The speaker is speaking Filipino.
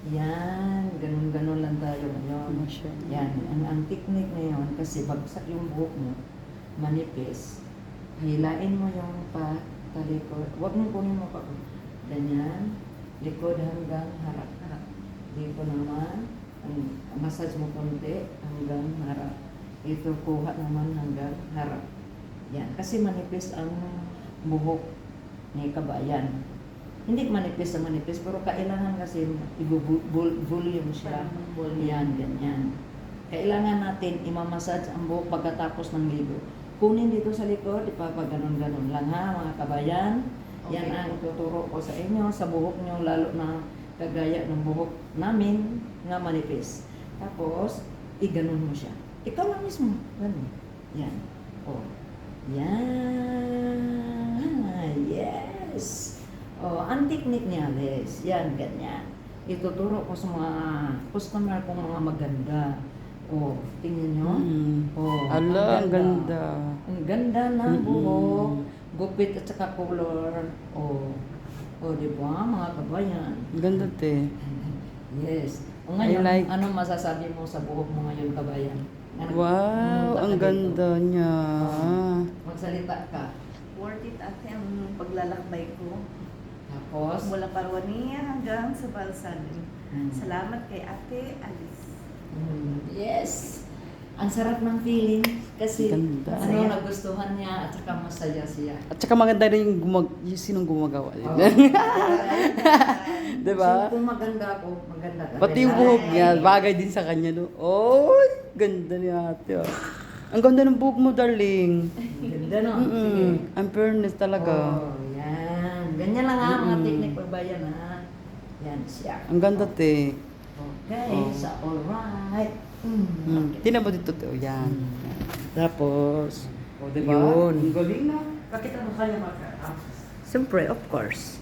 Yan, ganun-ganun lang tayo ngayon. Yan, ang technique na yun, kasi bagsak yung buhok mo, manipis, hilain mo yung talikod, huwag mo kunin mo pa, ganyan, likod hanggang harap. Dito naman, massage mo konti hanggang harap. Ito kuha naman hanggang harap. Yan, kasi manipis ang buhok ni kabayan. Hindi manipis na manipis, pero kailangan kasi i-volume siya. Yan, ganyan. Kailangan natin imamassage ang buhok pagkatapos ng ligo. Kunin dito sa likod, ipapaganon-ganon lang ha, mga kabayan. Yan ang tuturo ko sa inyo, sa buhok nyo, lalo na kagaya ng buhok namin nga manipis. Tapos, iganon mo siya. Ikaw lang mismo. Ganun. Yan. O. Yan. Yes. Oh, ang technique ni Alice, yan, ganyan. Ituturo ko sa mga customer kong mga maganda. Oh, tingnan nyo. Oh, Ala, ang ganda. Ang ganda ng buhok, gupit at saka color. Oh, di ba, mga kabayan? Ganda, te. Yes. O ngayon, I like- ano masasabi mo sa buhok mo ngayon, kabayan? Wow, ang ganda niya. Magsalita ka. Worth it ate ang paglalakbay ko. Tapos, Mula Parwania hanggang sa Balsalim. Mm. Salamat kay Ate Alice. Yes. Ang sarap ng feeling kasi Ganda. ano nagustuhan niya at saka masaya siya. At saka maganda rin yung sinong gumagawa. Oh. Diba? So, kung maganda ako, maganda ka. Pati yung buhok niya, bagay din sa kanya. No? Oy, ganda ni ate. Oh. Ang ganda ng buhok mo, darling. Ganda no? Sige. Ang fairness talaga. Oh, yan. Ganyan lang ha, mga technique pagbayan ha. Yan siya. Ang ganda, te. Okay, Oh. so alright. Tingnan mo dito, te. Oh, yan. Tapos, O, diba? Yun. Ang galing na. Bakit ano kaya maka? siyempre, of course.